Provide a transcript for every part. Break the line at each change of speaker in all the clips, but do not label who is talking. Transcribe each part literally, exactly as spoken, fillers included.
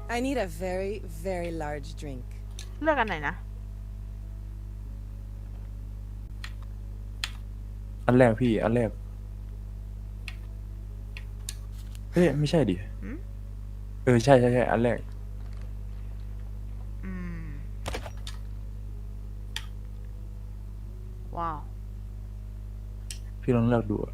I need a very, very large drink.
เลือกอันไหนนะ
อันแรกพี่อันแรกเฮ้ยไม่ใช่ดิ
หืม
เออใช่ใช่ใช่อันแรก
อืม ว้าว
พี่ลองเลือกดูอะ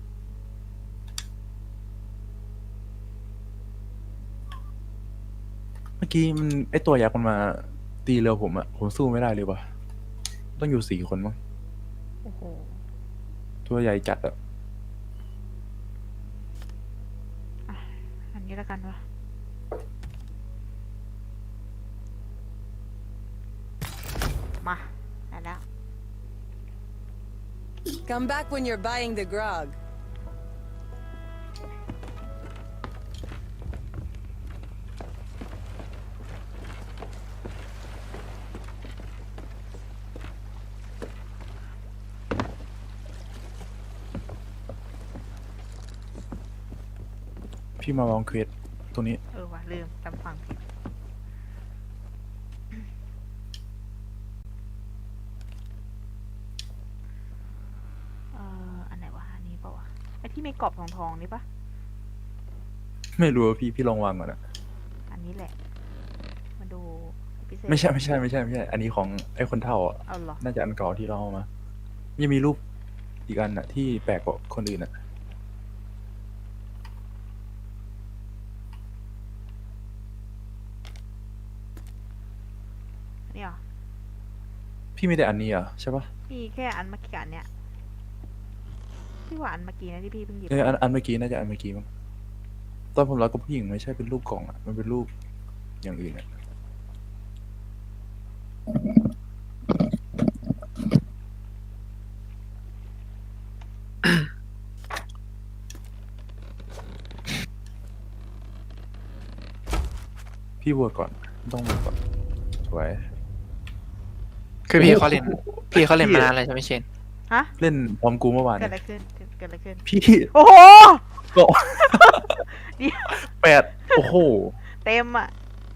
เมื่อกี้มันไอตัวยักษ์มันมาตีเรือผมอะผมสู้ไม่ได้เลยว่ะต้องอยู่สี่คนมั้ง
โอ้โห
ตัวใหญ่จัดอะ
อันนี้แล้วกันวะมาได้แล้ว
Come back when you're buying the grog.
พี่มาวางเควสตรงนี้
เออว่ะลืมจำฟังผิดเอ่ออันไหนวะ อันนี้ปะวะ ไอที่มีกรอบทองทองๆนี่ปะ
ไม่รู้ว่าพี่พี่ลองวางก่อนอะ
อันนี้แหละ มาดูพิเศษ
ไม่ใช่ไม่ใช่ไม่ใช่ไม่ใช่ อันนี้ของไอ้คนเฒ่าอะ
เอาเหรอ
น่าจะอันเก่าที่เราเอามายังมีรูปอีกอันอะที่แปลกกว่าคนอื่นอะ
อันนี้เหรอ
พี่มีแต่อันนี้เหรอใช่ปะ
มีแค่อันเมื่อกี้กับอันเนี้ยพี่ว่าอันเมื่อกี้นะที่พี่เพิ่งหยิบ
เอออันอันเมื่อกี้น่าจะอันเมื่อกี้มั้งตอนผมรักกับผู้หญิงไม่ใช่เป็นรูปกล่องอะมันเป็นรูปอย่างอื่นอะพี่บวชก่อนต้องบวชก่อนสวย
คือพี่เขาเล่นพี่เขาเล่นมานานแล้วใช่ไหมเชน
ฮะ
เล่นพร้อมกูเมื่อวาน
เกิด
เนี่ย
อะไรขึ้น เกิดเกิดอะไรขึ้น
พี่
โอ้โห
ก็
เดี๋ยว
แปดโอ้โห
เต็มอ่ะ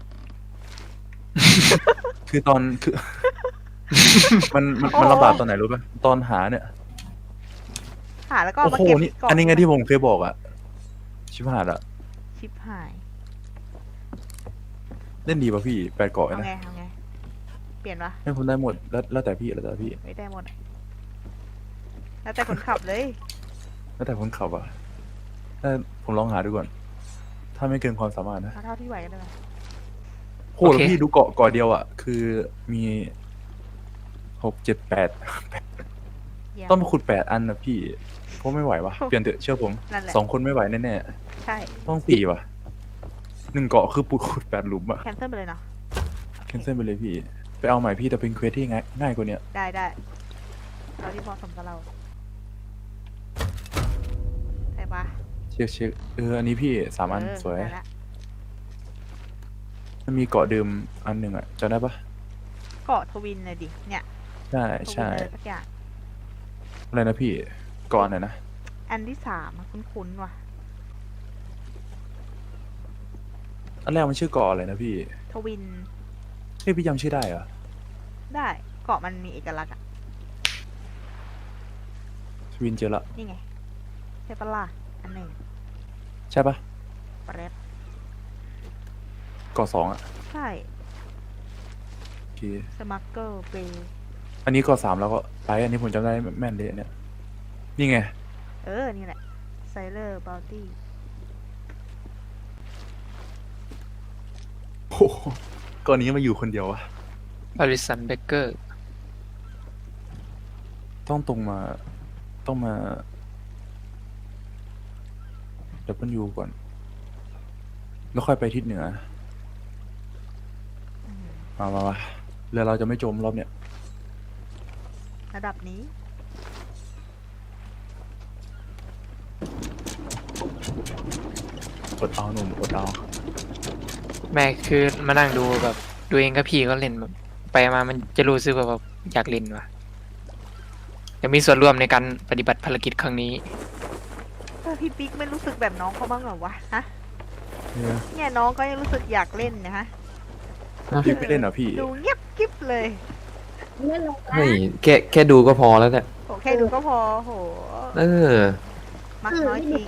คือตอนคือ มันมันมันลำบากตอนไหนรู้ป่ะตอนหาเนี่ย
หาแล้วก็
โอ้
มา
โห
เก็บ
นี่
กล่อง
อันนี้ไงที่ผมเคยบอกอะชิบหายละ
ชิบหาย
เล่นดีป่ะพี่แปดเกาะ
เอา
นะ
ไงเอาไง เปลี่ยนวะ
ให้ผมได้หมดแล้วแล้วแต่พี่แล้วแต่พี่
ไม่ได้หมดอะแล้วแต่คนขับเลย
แล้วแต่คนขับอะถ้าผมลองหาดูก่อน ถ้าไม่เกินความสามารถนะ
เอาเท่าที่ไหวกันเลย
โหแล้วพี่ดูเกาะเกาะเดียวอะคือมีหกเจ็ดแปด
เยี่ยม
ต้องมาขุดแปดอันนะพี่เพราะไม่ไหววะเปลี่ยนเถอะเชื่อผม
นั่นแหละ
สองคนไม่ไหวแน่
ใช่
ๆต้องสี่วะหนึ่งเกาะคือปุดขุดแปดหลุมอะ
แคนเซิลไปเลยเนาะ
แคนเซิลไปเลยพี่ ไปเอาใหม่พี่แต่เป็นเควสที่ง่ายง่ายกว่าเนี้ย
ได้ได้เราที่เหมาะสมกับเราใช่ปะ
เช็คเช็คเอออันนี้พี่สามอัน
เออ
สวย
ได้ละ
มันมีเกาะเดิมอันหนึ่งอะจำได้ปะ
เกาะทวินเลยดิ เนี่ย
ใช่
ทวิน
ใช่
อะไรสักอย่าง
อะไรนะพี่เกาะไหนนะ
อันที่สามอะคุ้นๆว่ะ
อันแรกมันชื่อเกาะอะไรนะพี่
ทวิน
เฮ้ยพี่จำชื่อได้เหรอ
ได้ เกาะมันมีเอกลักษณ์อะ
ทวินเจอละ
นี่ไงใช่ปะล่ะอันหนึ่ง
ใช่ปะ
ปะเรด
เกาะสองอะ
ใช่
โอเค
สมัคเกอร์เบย์
อันนี้เกาะสามแล้วก็ไปอันนี้ผมจำได้แม่นเลยอันเนี่ยนี่ไง
เออ นี่แหละไซเลอร์บ o ลตี้
โอ้โหเกาะนี้มาอยู่คนเดียววะ
บริสันเบเกอร์
ต้องตรงมาต้องมาเดี๋ยวเพิ่นอยู่ก่อน แล้วค่อยไปทิศเหนือมามามาเรือเราจะไม่จมรอบเนี้ย
ระดับนี้
อดเอาหนุ่มอดเอา
แม่คือมานั่งดูแบบดูเองกับพี่ก็เล่นแบบไปมามันจะรู้สึกว่าแบบอยากเล่นว่ะจะมีส่วนร่วมในการปฏิบัติภารกิจครั้งนี้
เออพี่ปิ๊กไม่รู้สึกแบบน้องเขาบ้างเหรอวะ ฮะ
เนี่ย
เนี่ยน้องก็ยังรู้สึกอยากเล่นนะฮะ
พี่ไม่เล่นเหรอพี่
ดูเงียบกิ๊บเลย
เฮ้ยแค่แค่ดูก็พอแล้วเนี่ย
โหแค่ดูก็พอโห
เออ
มักน้อยจริง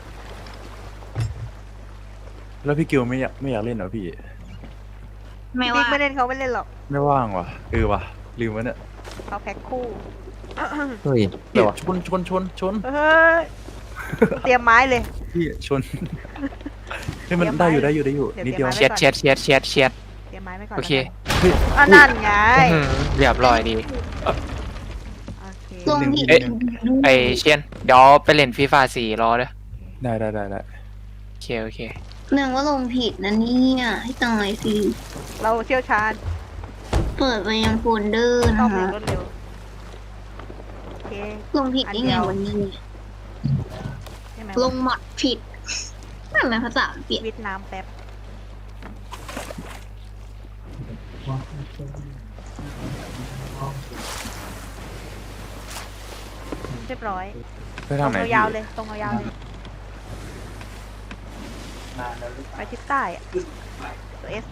แล้วพี่กิวไม่อยากไม่อยากเล่นเหรอพี่
ไม่
บิ๊
ว่าก
ไม่เล่นเขาไม่เล่นหรอก
ไม่ว่างว่ะเออว่ะลืมวะเนี่ย
เขาแพ็คคู่
เฮ้ย
เดี๋ยวชนชนชนชน
เฮ้ยเตรียมไม้เลย
พี่ชนเฮ้ยมัน
เดี๋ยว
ได้อยู่
ไม้
ได้อยู่ได้อยู่
เดี๋ยว
นิดเดียว
เตรี
เชี
ย
ย
ม
ด
ไว้
เชียดเชียดเชียดเชียด
เตรียมไม้ไว้ก่อน
โอเค
เฮ้ย
อ่ะนั่นไง
อื้อหือเรียบร้อยดี
โอเค
ลงผิด
เอ๊ะ ไอเชียนเดี๋ยวไปเล่นฟีฟ่าสี่รอเด้อ
ได้ได้ได้ได้
โอเคโอเค
เนื่องว่าลงผิดนะเนี่ยให้ตายสิ
เราเชี่ยวชาญ
เปิดไปยังโฟลเดอร์
ต้อ
นะ
งเร็
คะ
วรวดเร็วโอเค
ลงผิดได้ไงวันนี้
ใช่ไหม
ลงหมดผิดนั่นเป็นภาษาอังกฤษ
วิทน้ำแป๊บเรียบร้อย
ไป
ตร
ทาง
ง
ไหน
ยาวๆ
พี่
เลยตรงยาวๆเลยไปทิศใต้อะตัวเอส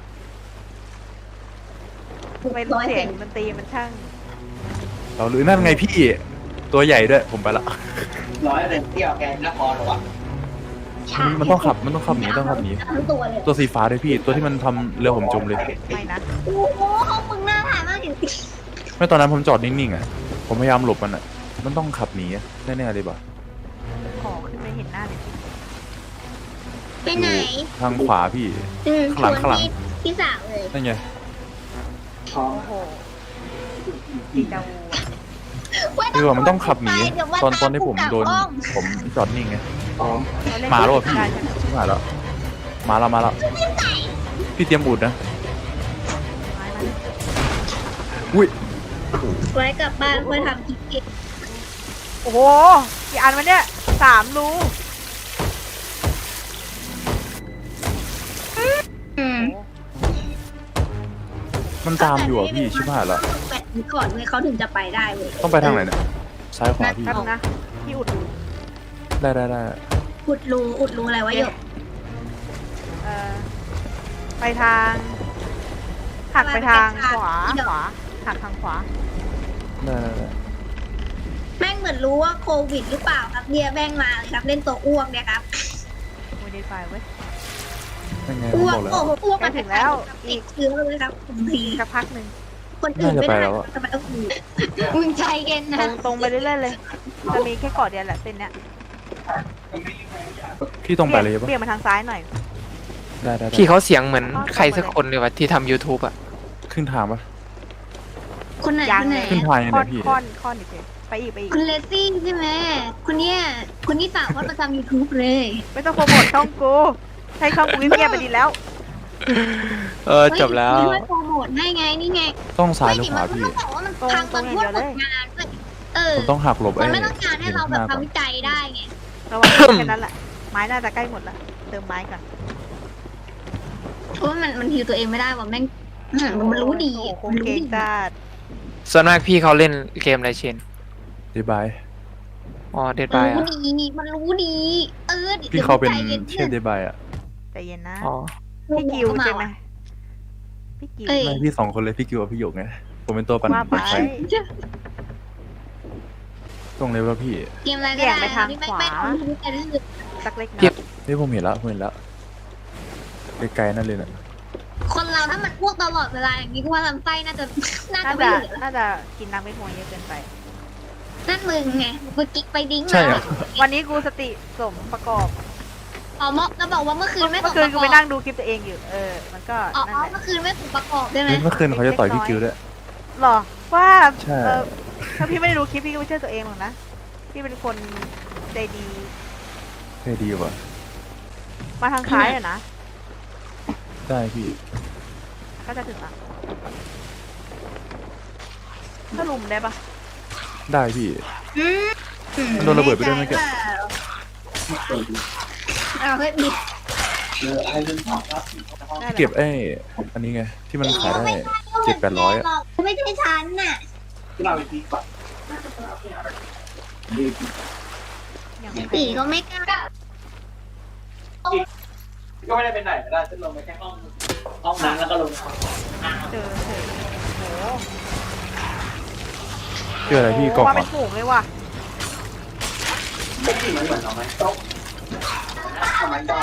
ไม่รู้เสียงดนตรีมันช่าง
เราหรือนั่นไงพี่ตัวใหญ่ด้วยผมไปละ
ร้อยเป็นเที่ยวแกนนครหรอวะ
มันมันต้องขับมันต้องขับหนีต้องขับหนี
ทั้งตัวเลย
ตัวสีฟ้าด้วยพี่ตัวที่มันทำเรือผมจมเลย
ไม่นะ
โอ้โหห้องมึงน่าถ่ายมากจริง
ไม่ตอนนั้นผมจอดนิ่งๆอ่ะผมพยายามหลบมันอ่ะมันต้องขับหนีอะแน่ๆเลยป่ะ
ขอขึ้นไปเห็นหน้าหน่อยสิ
ไปไหน
ทางขวาพี่
อืม
ข้างหลังข้างหลัง
ชวนพี่พี่สาวเลย
นั่นไง
โอ้โหดีจาวูอะ
คือว่ามันต้องขับหนี
เดี๋ยวว่า
ตอนตอนที่ผมโดน
ตาม
ผมจอดนิ่งไง
อ๋อ
เล่น
มาแล้วอะพี่
ได้ใช่ไหม
ชิบหายแล้วมาแล้วมาแล้วพี่เตรียมอุดนะ
ไม้มา
อุ้ย
ไว้กลับบ้านไว้ทำกินเอง
โอ้โหกี่อันวะเนี่ยสามรู
อืม
มันตามอยู่อ่ะพี่ชิบหายแล้ว
ต้องแปะนี้ก่อนเลยเขาถึงจะไปได้เว้ย
ต้องไปทางไหนเนี่ยซ้ายขวาพี่
แป๊บนะพี่อุด
ได้ได้ได้
อุดรูอุดรูอะไรวะหยก
เอ่อไปทางหักไปทางขวาขวาหักทางขวา
ได้ได้ได้
แม่งเหมือนรู้ว่าโควิดหรือเปล่าครับเนี่ยแม่งมาเลยครับเล่นตัวอ้วกเนี่ยครับ
ไม่ได้ไฟเว้ย
ยังไงผม
อ้ว
บ
ก
อกแล้ว
โอ้โหอ้วกมา
ใกล้ถึงแล้ว
ติดเชื้อเลยครับบางที
อีกสักพักหนึ่ง
คนอื่นไม่
น่าจะไป
ได้
แล้วอะ
ทำไมต้องกูมึงใจเย็น
ตร
นะ
งตรงไปเรื่อยๆเลย จะมีแค่เกาะเดียวแหละเส้นเนี้ย
พี่ตรงไปเลยปะ
เบี่ยงมาทางซ้ายหน่อย
ได้ได้ได้
พี่เขาเสียงเหมือนใครสักคนเลยว่ะที่ทำ YouTube อ่ะ
ขึ้นทางปะ
คนไหน
ยัง
คนไหน
ขึ้นทางยัง
ค่
ไง
อน
พี่
ค่อนค่อนอีกเลยไปอีกไปอีก
คุณเลซี่ใช่ไหมคนเนี้ยคนที่สาวว่าประจำยูทูบเลย
ไม่ต้องโปรโมทช่องกูใช้ช่องกูเงียบๆไปดีแล้ว
เออจบแล้ว
เฮ้ยช่วยโปรโมทให้ไงนี่ไง
ต้องซ้ายหรือ
ไม่
ขวา
มัน
พี่
ต้องบอกว่ามันทางตอนพวกผลงานด้วยเออ
ผมต้องหักหลบ
มั
ไอ้
นไม่ต้องการให้เราแบบ
ห็นข้งหน้ก่อน
ทำวิจัยได้ไง
ระวังแค่นั้นแหละ ไม้น่าจะใกล้หมดละเติมไม้ก่อน
เพราะว่ามันมันฮิวตัวเองไม่ได้ว่ะแม่งอืมมันรู้ดี
โอ้โห
มันรู้
เก่ง
ดี
จัด
ส่วนมากพี่เขาเล่นเกมอะไรเชน
ดีบาย
อ๋อเดด
มัน
บาย
รู้
อ่ะ
ดีมันรู้ดี เออดี๋ยว
พี่เขาเป็น
ใจย็
เทพดีบายอ่ะ
ใจเย็นนะ
อ๋อ
พี่กิวใช่ไหมพี่กิว
เอ้ย
ไม่พี่สองคนเลยพี่กิวกับพี่หยกไงผมเป็นตัวปั่น
ว่าไป
ไฟตรงเลยว่าพี่
เกมอะไรก็
เบี่ย
ได้
งไปทาง
ที่ไม่
ขวา
ไม่ทำวิจัยได้เลย
สักเล็ก
เทีย
น้อบ ย
เฮ้ยผมเห็นแล้วผมเห็นแล้วไกลๆนั่นเลยน่ะ
คนเราถ้ามันอ้วกตลอดเวลาอย่างนี้ก็ว่าลำไส้น่าจะน่า
น่า
จะไม่
จะ
เหลือ
น่าจะกินน้ำไม่พอเยอะเกินไป
นั่นมึงไงไปกิ๊กไปดิ้ง
ใช่
มา
เหรอ
วันนี้กูสติสมประกอบ
อ๋อเมื่อแล้วบอกว่าเมื่อคืนไม่
เมื่
ส
อ
ม
คื
ป
น
ระ
กู
ก
ไป
อบ
นั่งดูคลิปตัวเองอยู่ เออ มันก็
อ๋อ
นั่นแหละ
เมื่อคืนไม่สมประกอบใช่ไหม
เฮ้ยเมื่อคืนเขาจะต่อยพี่กิวด้วย
หรอว่า
ใช่
เออถ้าพี่ไม่ได้ดูคลิปพี่ก็ไม่เชื่อตัวเองหรอกนะ พี่เป็นคนใจดี
เท่ดีว่ะ
มาทางซ้ายอะนะ
ได้พี่
ก็จะถึงละถ้าลุมได้ปะ
ได้พี่
อืม
มันโดนระเบิดไปด้วยเมื่อกี้
เอาเฮ้ยบิด
เออไอ้เรื่องของครับ
ได้เลย
เก็บไอ้อันนี้ไงที่มันขายได้เจ็ดแปดร้อยอะ
ไม่ใช่ฉันน่ะ
ที่เราไปตีก่อน
อย่าง
ตีก็ไม่กล้า
ก็ไม่ได้ไปไหนก็ได้ฉันลงไปแค่ห้องห้องนั้นแล้วก็ลง
เจอเจอโอ้โห
เจออะไรพี่กล่อง
มา
เหร
เป็
อน
ฝูงเลยว่ะ
ไม่กินเหมือนเหมือนเอาไหมโต๊ะทำไมได้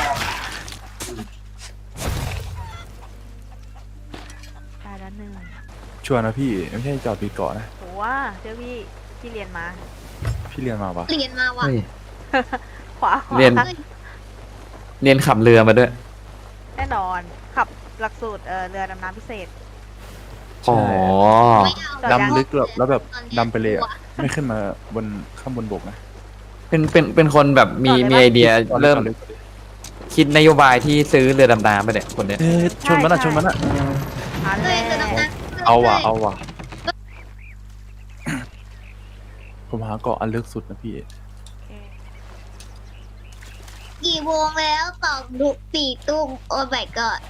ได้แล้วหนึ่ง
ชัวร์นะพี่ไม่ใช่จอดปีเกาะนะ
โหว่าเจ้าพี่ที่เรียนมา
พี่เรียนมาปะ
เรียนมาว่ะ
เฮ้ย
ขวาขวา
เรียน เรียนขับเรือมาด้วย
แน่นอนขับหลักสูตรเออเรือดำน้ำพิเศษ
อ๋อ
ไม่เอา
จอดยัง
ดำลึกแบบแล้วแบบดำไปเลยอะไม่ขึ้นมาบนข้างบนบกนะ
เป็นเป็นเป็นคนแบบมีมีไอเดียเริ่ม
จอดลึก
คิดนโยบายที่ซื้อเรือดำน้ำไปเนี่ยคนเนี้ย
เอ๊ะชนมันอะชนมันอะ
อัน
เล
แร
ย
ก
คือตรงนั้น
เอาว่ะเอาว่ะ ผมหาเกาะอันลึกสุดนะพี่
กี่โมงแล้วตอบดุสี่ตุ้มโอ้ my god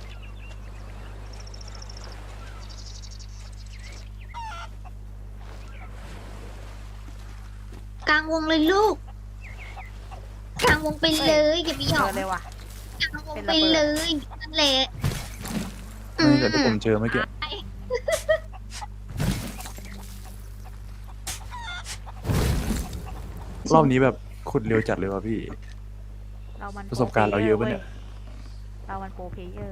กลางวงเลยลูก กลางวงไปเลยอย่าไปห
เจ
ยอ
อก เลยว่ะ
กลางวงไปเลยนั่นแหละอื
ไม่
ม
แต่ที่ผมเจอเมื่อกี้รอบนี้แบบขุดเร็วจัดเลยว่ะพี่
เรามัน
ประสบการณ์เราเยอะปะเนี่ย
เรามันโปรเพลเยอร์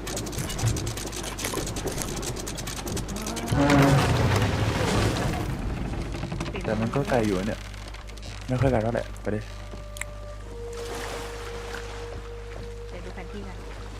แต่มันก็ไกลอยู่อะเนี่ย ไม่ค่อยไกลเท่าไหร่ไปดิ
เดี๋ยวดูแผนที่กัน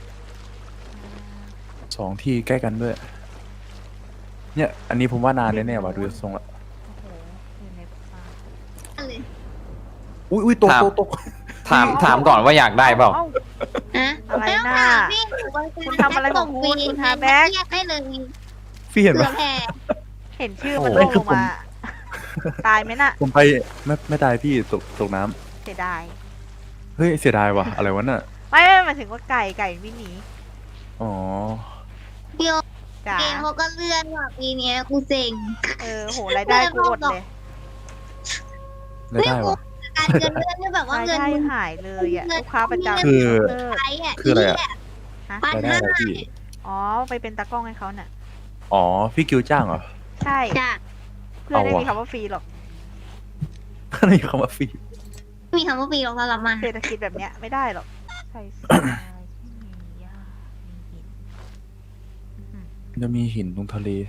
สองที่ใกล้กันด้วย เนี่ย อันนี้ผมว่านานแน่ๆว่ะดูทรงละ
โอ้โหอยู่ในป่า
อะไร
อุ้ยอุ้ยตก
ถาม
ตกตก
ถามถามก่อนว่าอยากได้เปล่า
อ้
ฮะ
อะไร
ม่ต้ง
น่ะ
ถามพี่หนูว่า
คุณทำอะไรของคุณ
ส่ฟ
คุณหาแบ็ค
เรียกได้เลย
พี่เห็น
เผื่
ปะ
อแผ่
เห็นชื่อมัน
โอ้
ร่วง
คื
ล
อง ผม
มา ตายไหมน่ะ
ผมไปไม่ไม่ตายพี่ตกตกน้ำ
เสียดาย
เฮ้ยเสียดายว่ะอะไรวะน่ะ
ไม่ไม่หมายถึงว่าไก่ไก่วิ่งหนี
อ๋อ
เดียว
จ๋า
เกมเขาก็เลื่อนว่ะปีเนี้ยกูเซ็ง
เออโหรายได้กูอดเลย
ได้ได้ว่ะ
การเงินเลื่อนเนี่ยแบบว่าร
าย
เงิน
ได้
มึง
หายเลยอ่ะลูกค้าประจำ
คือ
เลิก
ใช้อ่ะ
คืออะไรอะ
ฮะ
ปัน
รายได้
ห้า
อะไรพี่
อ๋อไปเป็นตากล้องให้เขาน่ะ
อ๋อพี่กิวจ้างเหรอ
ใช่
จ้ะ
เพื่อนไม่
เอาว่ะ
มีคำว่าฟรีหรอก
ก็เลยคำว่าฟรี
มีคำว่าปีลงสำหรับมัน
เศรษฐกิจแบบเนี้ยไม่ได้หรอกใช่ทรายที่มีหญ้ามีหินอื้อหือ
จะมีหินตรงทะเล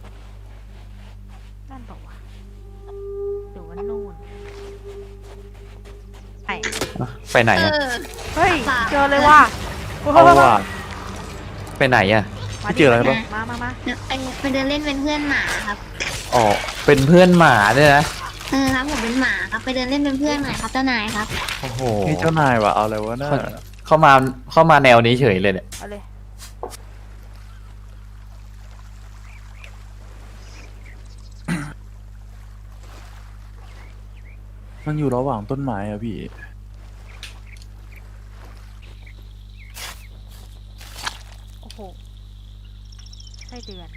นั่นบอกว่าหรือว่านู่นไอ
ไปไหน
เอ
อะ
อ
เฮ้ยเจอเลยว่ะ
เอาว่ะ
ไปไหนอะ
มา
เจออะไรปะ
มามามา
ไปไปเดินเล่นเป็นเพื่อนหมาครับ
อ๋อเป็นเพื่อนหมาด้วยนะ
เออครับผมเป็นหมาครับไปเดินเล่นเป็นเพื่อนหน่อยครับเจ้านายครับ
โอ้โห
นี่เจ้านายว่ะเอาอะไรวะน่า
เข้ามาเข้ามาแนวนี้เฉยเลยเนี่ย
เอาเลย
มันอยู่ระหว่างต้นไม้อะพี่
โอ้โหไส้เดือน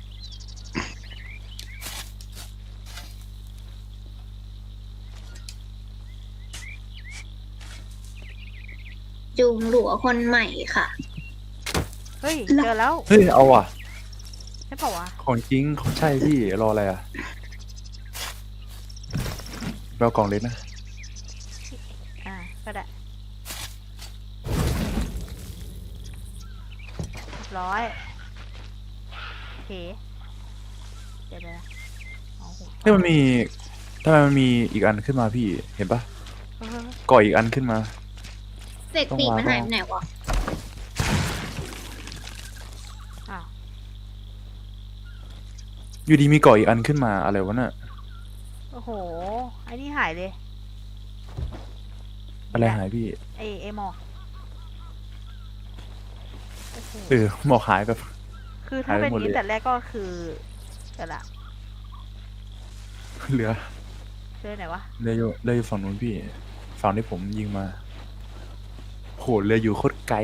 จูงหลัวคนใหม่ค่ะ
เฮ้ยเจอแล้ว
เฮ้ยเอาว่ะ
ใช่เปล่าวะ
ของจริงของใช่พี่รออะไรอะไปเอากล่องเล็กนะ
อ่าก็ได้เรียบร้อยโอเคเดี๋ยวเดี๋ยวนะเอาหู
เฮ้ยมันมีทำไมมันมีอีกอันขึ้นมาพี่เห็นปะ
เออ
ก่ออีกอันขึ้นมา
เสร็จปีกมันหายไปไหนวะ
อ้าว
อยู่ดีมีก่ออีกอันขึ้นมาอะไรวะน่ะ
โอ้โหไอ้นี่หายเลย
อะไรหายพี่
ไอไอหมอกโอ้โห
เออหมอกหายแบบ
คือถ้า
หายไป
เป็น
หมด
นี้
เลย
แต่แรกก็คือเดี๋ยวละ
เหลือ
เจอไหนวะ
เรืออยู่เรืออยู่ฝั่งนู้นพี่ฝั่งที่ผมยิงมาโหเรืออยู่โคตรไกล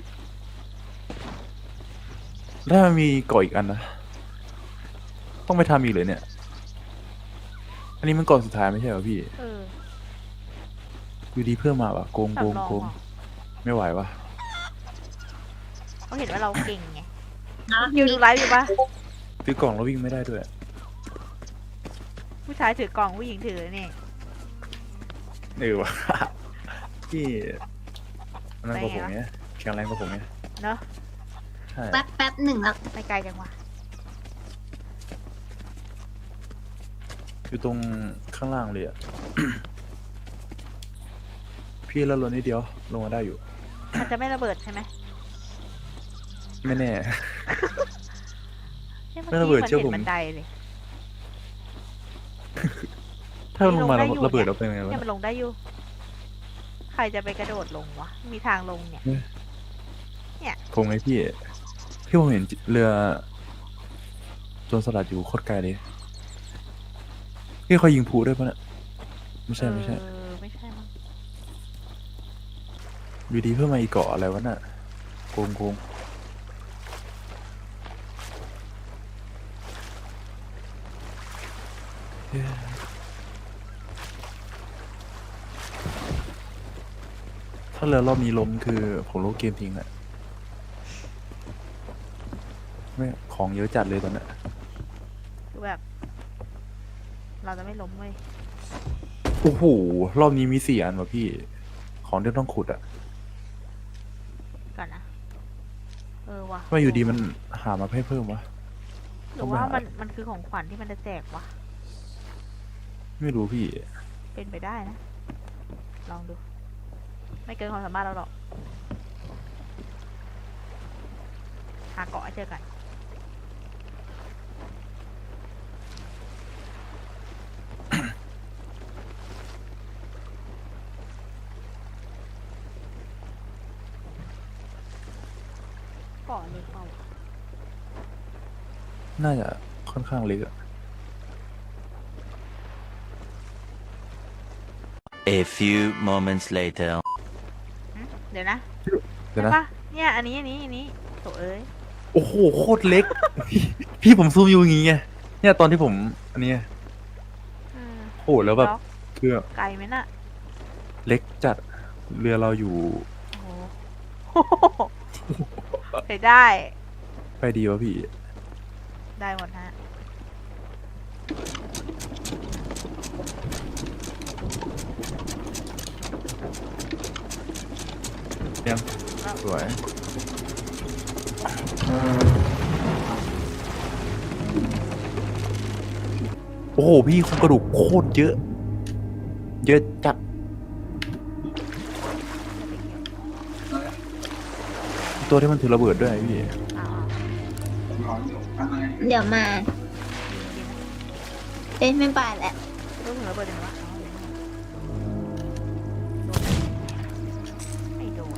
แล้วมันมีก่ออีกอันนะต้องไปทำอีกเลยเนี่ย อันนี้มันก่อสุดท้ายไม่ใช่เหรอพี่
เออ
อยู่ดีเพิ่มมาว่ะโกงโกง
สำรอง
โกง
เหรอ
ไม่ไหววะ
เขาเห็นว่าเราเก่งไง
เนาะ
อยู่ดูไลฟ์อยู่ปะ
ซื้อกล่องแล้ววิ่งไม่ได้ด้วย
ผู้ชายถือกล่องผู้หญิงถือนี่
เออวะ พี่อันนั้นกว่าผมเนี่ยแข็งแรงกว่าผมเนี่ย
เนอะ
ใช่
แป๊บแป๊บหนึ่งครับ
ไม่ไกลจังวะ
อยู่ตรงข้างล่างเลยอ่ะ พี่แล้วลดนิดเดียวลงมาได้อยู่
มันจะไม่ระเบิดใช่ไหม
ไม่แน่
นี่ย
ไม่ระเบิดเชื่อผม
นห็นบันไดเลย
ถ้ามันลงมาแล้ว
ลงได้อยู่
ระเบิดเราเป็นไงวะ
เนี่ยมันลงได้อยู่ ใครจะไปกระโดดลงวะ มีทางลงเนี่ย
ผมไงพี่ พี่ผมเห็นเรือโจรสลัดอยู่โคตรไกลเลย พี่เขายิงผูด้วยปะเนี่ยไม่ใช่ไม่ใช่
เออไม่ใช่มั้ง
อยู่ดีเพิ่มมาอีกเกาะอะไรวะน่ะโกงโกงเฮ้ยถ้าเรือรอบนี้ล้มคือผมลบเกมทิ้งอะไม่ของเยอะจัดเลยตอนเนี้ย
คือแบบ เราจะไม่ล้มเว้ย
โอ้โหรอบนี้มีสี่อันวะพี่ ของที่ต้องขุดอะ
ก่อนนะ เออวะ
ทำไมอยู่ดีมันหามาให้เพิ่มวะ
หรือว่ามันมันคือของขวัญที่มันจะแจกวะ
ไม่รู้พี่
เป็นไปได้นะ ลองดู ไม่เกินความสามารถเราหรอก หาเกาะให้เจอกัน เกาะเลยเปล่า
น่าจะค่อนข้างเล็กอะ
A few moments later.
หึเดี๋ยวนะ
เดี๋ยว
ใช่
นะ
ปะเนี่ย อันนี้อันนี้อันนี้โถเอ้ย
โอ้โหโคตรเล็ก พี่พี่ผมซูมอยู่อย่างงี้ไงเนี่ยตอนที่ผมอันนี้ไง
อืม
โอ้โหแล้วแบบ
ล็อก
คือ
ไกลไหมน่ะ
เล็กจัดเรือเราอยู่
โอ้โห ใช้ได้
ไปดีวะพี่
ได้หมดฮะ
ยังสวยโอ้โหพี่โครงกระดูกโคตรเยอะ เยอะจัดตัวที่มันถือระเบิดด้วยพี่
อ่า
เดี๋ยวมาเอ้ยไม่ไปแหละ
ๆรู้ถึงระเบิดยังไงวะอ๋อโดนไม่โดน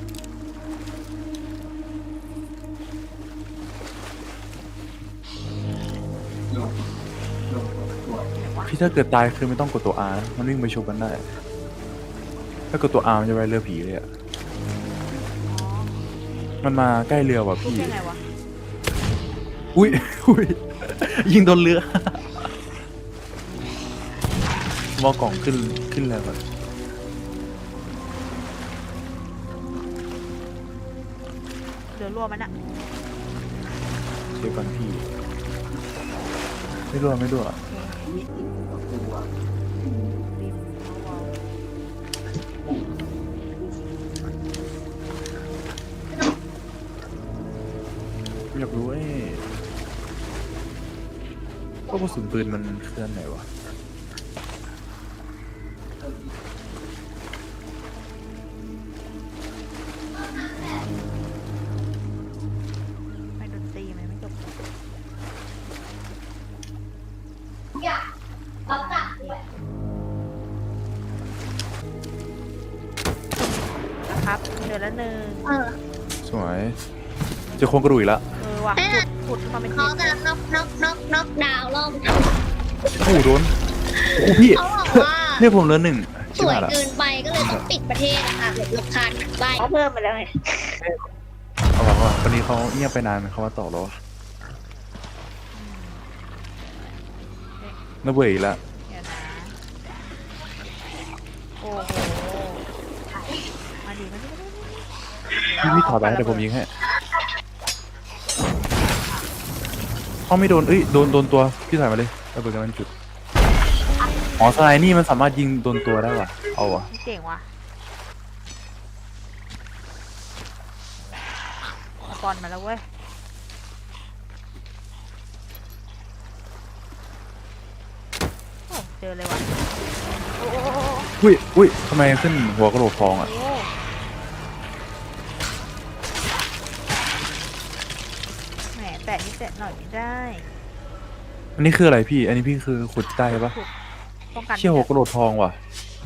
พี่ถ้าเกิดตายคือไม่ต้องกดตัว R นะมันวิ่งไปชกกันได้ ถ้ากดตัว R มันจะไปเรือผีเลยอะ
อ๋อ
มันมาใกล้เรือว่ะ
ทุบ
พี่
ยังไงวะ
อุ้ย อุ้ย ยิงโดนเรือ มอกล่องขึ้นขึ้นแล้วก่อน
เดือดรั่วมันอะ
เดี๋ยวก่อนพี่ ไม่รั่วไม่รั่ว
ริมเอาเอา
อยากรู้ไอ้พวกกระสุนปืนมันเคลื่อนไหนวะ
ไม่ดนตรีมันไม่จบนะครับเดือดละหนึ่ง
เออ
สวยเจะโครงกระดูกอีกแล้ว
เออว่ะขุดขุดมาเป็น
เขา
ชิ้น
จะน็อกน็อกน็อกน็อกดาวน์รอบ
โอ้โหโดน โอ้โหพี่
เขาบอกว่า
เรียกผมเหลือหนึ่ง
สวยเกินไปก็เลยต้องปิดประเทศนะคะหรือลบคานไปเพิ่มไปแล้วไง
เอาบอกว่าวันนี้เขาเงียบไปนานเขามาต่อแล้ววะน่าเบื่ออีกแล้ว
เดี๋ยวนะ โอ้โห มาดีมาดีมาดี
พี่พี่ถอดไปเดี๋ยวผมยิงให้เขาไม่โดนเอ้ยโดนโดนตัวพี่ถ่ายมาเลยระเบิดกันมันจุดอ๋อสไนนี่มันสามารถยิงโดนตัวได้ว่ะเอาว่ะ
ไม่เจ๋งว่ะเอาบอลมาแล้วเว้ยโอ้เจอเลยว่ะโอ้โอ้โอ้โอ้
อุ้ยอุ้ยทำไมขึ้นหัวกระโหลกทองอ่ะ
โอ้แหมแตะนิดแตะหน่อยไม่ได้
อันนี้คืออะไรพี่ อันนี้พี่คือขุดได้ปะ
ขุดป้องกัน
เชี่ยหัวกระโหลกทองว่ะ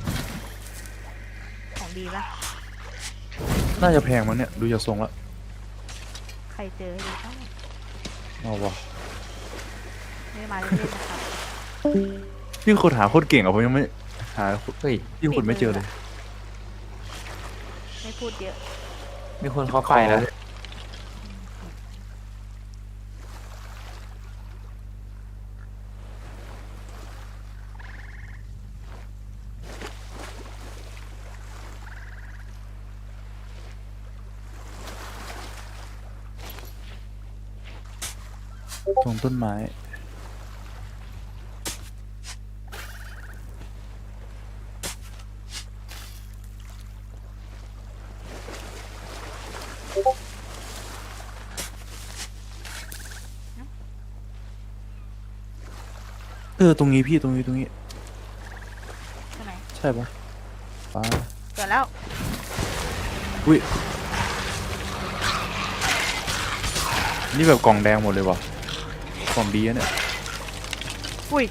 ของดีปะ
น่าจะแพงมั้งเนี่ยดูจากทรงละ
ใครเจอให้ดีต้อง
เอาว่ะ
ไม่ได้มาเล่นๆนะครับ
พี่ขุดหาโคตรเก่งอ่ะผมยังไม่หา
เฮ้ย
พี่ขุดไม่เจอเลย
ไม่พูดเยอะ
มีคนเข้าไปแล้ว
ตรงต้นไม้เออตรงนี้พี่ตรงนี้ตรงนี้
ใช่ไหม
ใช่ปะป้า
เกิดแล้ว
อุ้ยนี่แบบกล่องแดงหมดเลยว่ะกล่องดีอะเนี่ย
อุ้ย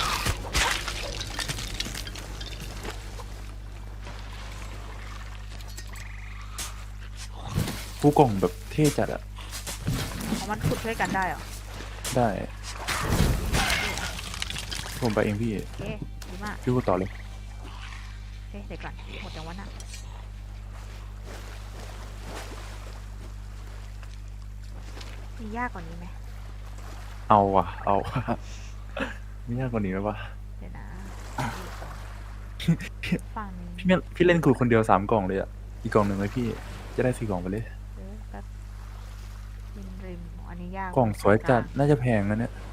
ผู้กล่องแบบเท่จัดอะ
ของมันขุดช่วยกันได้เหรอ
ได้ผมไปเองพี่
โอเคดีมาก
พี่พูดต่อเลย
โอเคเดี๋ยวก่อนหมดจังวะน่ะมียากกว่านี้ไหม
เอาว่ะ เอา ไม่ยากกว่านี้ไหมวะ
เดี๋ยวนะฝั่งนี้
พี่ไม่พี่เล่นขุดคนเดียวสามกล่องเลยอะอีกกล่องหนึ่งเลยพี่จะได้สี่กล่องไปเลย
เออแป๊บริมริมอันนี้ยาก
กล่องสวยจัดน่าจะแพงนะเนี่ย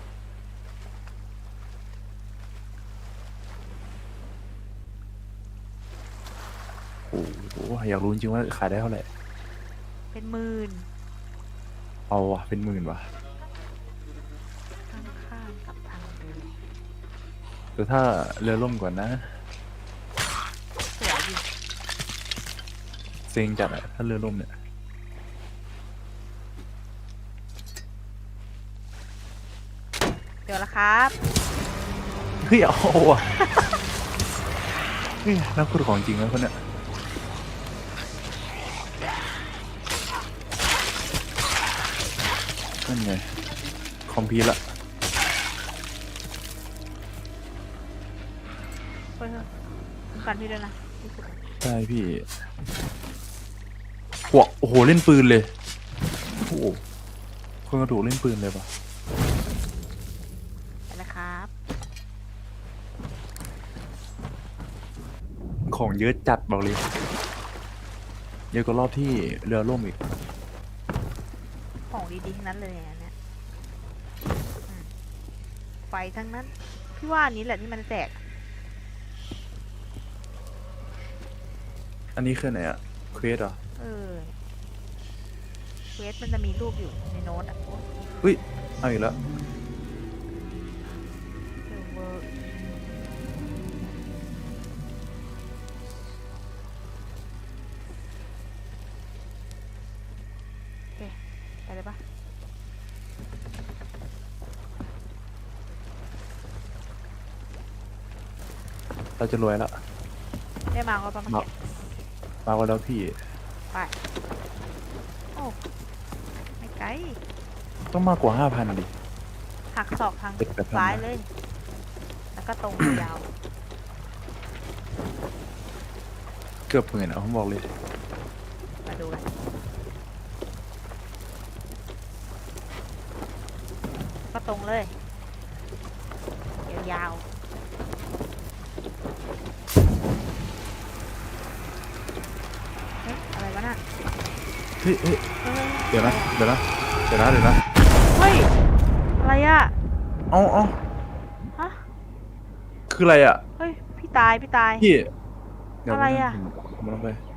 โอ้โหอยากรู้จริงๆว่าขายได้เท่าไหร่
เป็นหมื่น
เอาว่ะเป็นหมื่นว่ะ
ข้างๆกับทางเดิน
แต่ถ้าเรือล่มก่อนนะ
สวยดี
เซ็งจัดอะถ้าเรือล่มเนี่ย
เจอแล้วครับ
เฮ้ยเอาว่ะเฮ้ยนักขุดของจริงนะคนเนี้ยนั่นไงคอมพิวละ
เฮ้ยเฮ้ยคุ้มกันพี่ด้วยนะพี่ขุด
ใช่พี่หัวโอ้โหเล่นปืนเลยโอ้โหคนกระดูกเล่นปืนเลยปะ
ไปแล้วครับ
ของเยอะจัดบอกเลยเยอะกว่ารอบที่เรือล่มอีก
ของดีๆทั้งนั้นเลยอันเนี้ยอืมไฟทั้งนั้น พี่ว่าอันนี้แหละที่มันแตก
อันนี้คือไหนอะเควสเหรอ
เออเควสมันจะมีรูปอยู่ในโน้ตอ่ะโอ้
อุ้ยเอาอีกแล้ว
เออเวอร์โอเคไปเลยปะ
เราจะรวยแล้ว
ได้มาก็ประมาณ
มามากันแล้วพี่
ไป โอ้ไม่ไกล
ต้องมากกว่าห้าพันดิ
หักศอกทาง
เจ็ดแปดพัน
ซ้ายเลย แล้วก็ตรงยาว
เกือบหมื่นอะผมบอกเลย
มาดูกันก็ตรงเลย ยาวๆเฮ้ยอะไรวะน่ะ
เฮ้ยเฮ้ย
เฮ้ย
เดี๋ยวนะเดี๋ยวนะเดี๋ยวนะเดี๋ยวนะ
เฮ้ย อะไรอะไรอะ
เอาเอา
ฮะ
คืออะไรอ่ะ
เฮ้ย พี่ตาย พี่ตาย
พี่เดี๋ยว
อะไรอะ
ผมผมลงไป